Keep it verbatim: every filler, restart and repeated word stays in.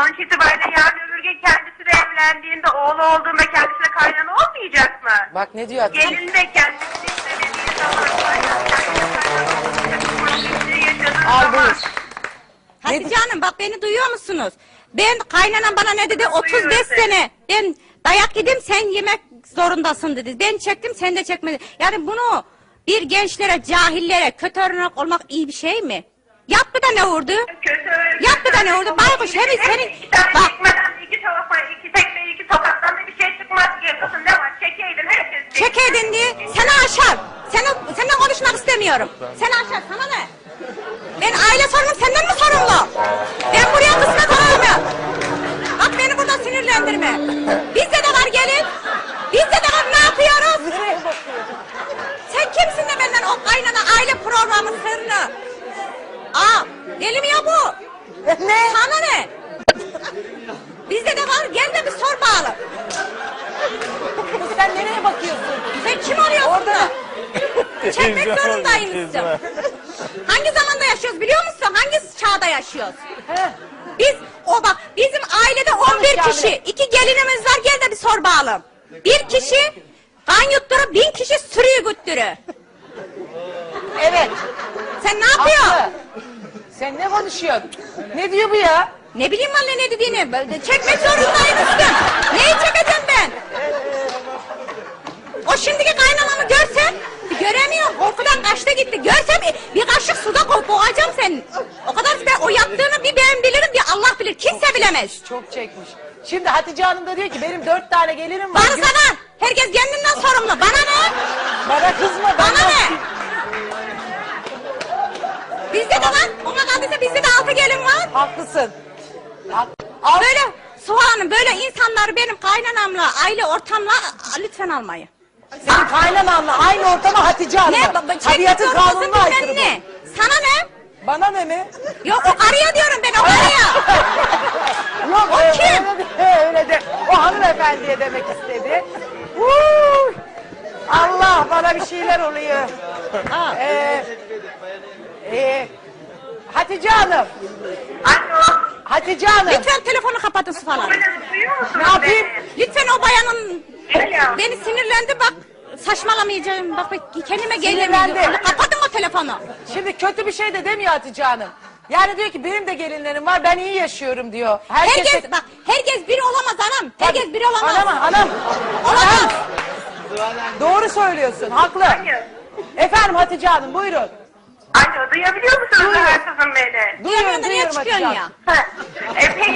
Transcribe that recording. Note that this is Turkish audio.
sonuç itibariyle yarın öbür gün kendisi de evlendiğinde oğlu olduğunda kendisine kaynana olmayacak mı? Bak ne diyor Hatice? Gelin de kendisi istemediği zaman kaynana kaynana olmayacak. Problemleri yaşadığı Al zaman. buyur. Hatice Hanım bak beni duyuyor musunuz? Ben kaynanam bana ne dedi? otuz beş Duyuyorum seni. sene. Ben dayak yedim sen yemek zorundasın dedi. Ben çektim sen de çekmedin. Yani bunu bir gençlere, cahillere kötü örnek olmak iyi bir şey mi? Yaptı da ne vurdu? Kötü. Yaptı da ne oldu? Baykuş hem senin... İki tane Bak çekmeden iki tarafa, iki tekme, iki tokattan da bir şey çıkmaz ki. Kızım ne var? Çekeydin herkes. çekeydin diye seni aşar. Seni, seninle konuşmak istemiyorum. Seni aşar sana ne? Ben aile sorunum senden mi sorumlu? Ben buraya kısmet olamıyorum. Bak beni burada sinirlendirme. Bizde de var gelin. Bizde de var ne yapıyoruz? Sen kimsin de benden o kaynana aile programı sırrını? Aa deli mi ya bu? Ne? Sana ne? Bizde de var gel de bir sor bağlı. Kız sen nereye bakıyorsun? Sen kim arıyorsun Orada. da? Çekmek zorundaymışsın. Hangi zamanda yaşıyoruz biliyor musun? Hangi çağda yaşıyoruz? He. Biz o bak bizim ailede on bir Konuş kişi. yani. iki gelinimiz var gel de bir sor bağlım. Bir kişi kan yutturur bin kişi sürüyü güttürür. Evet. Sen ne yapıyorsun? Haklı. Sen ne konuşuyorsun? Ne diyor bu ya? Ne bileyim anne ne dediğini. Böyle çekmek zorundaymışsın. Neyi çekeceğim ben? O şimdiki kaynanamı görsen göremiyor. Korkudan kaçtı gitti. Görsem bir kaşık suda ko- boğacağım seni. O kadar ben o yaptığını bir ben bilirim bir Allah bilir. Kimse bilemez. Çok çekmiş. Şimdi Hatice Hanım da diyor ki benim dört tane gelirim var. Bana sana. Herkes kendinden sorumlu. Bana ne? Bana kızma. Bana bana. ne? Bizde de var. Ona kaldıysa bizde de altı gelin var. Haklısın. Hak- Al. Böyle Suha Hanım böyle insanları benim kaynanamla aile ortamla a- lütfen almayın. Senin kaynananla aynı ortama Hatice Hanım. Ne? Baba, çekmek Tabiatın zorundasın kanununa bilmem aykırı ne. bu. Sana ne? Bana ne mi? Yok o karıya diyorum ben o karıya. Yok O öyle, kim? öyle de, öyle de. O hanımefendiye demek istedi. Vuuu! Allah bana bir şeyler oluyor. Ha. Ee, e, Hatice Hanım. Alo. Hatice Hanım. Lütfen telefonu kapatın Suha Hanım. Duyuyor musunuz Ne yapayım? beni? Lütfen o bayanın Alo. beni sinirlendi bak saçmalamayacağım bak bak, kendime Sinirlendi. gelemiyorum. Kapatın o telefonu. Şimdi kötü bir şey de demiyor Hatice Hanım. Yani diyor ki benim de gelinlerim var ben iyi yaşıyorum diyor. Herkes, Herkes bak herkes biri olamaz anam. Herkes biri olamaz. Anam anam. Olamaz. Doğru söylüyorsun haklı. Hayır. Efendim Hatice Hanım buyurun. Alo duyabiliyor musunuz Duyuyorum. hırsızım beni? Duyamıyorsun da niye duyuyorum çıkıyorsun Hatice ya? Hanım. Ha. E, peki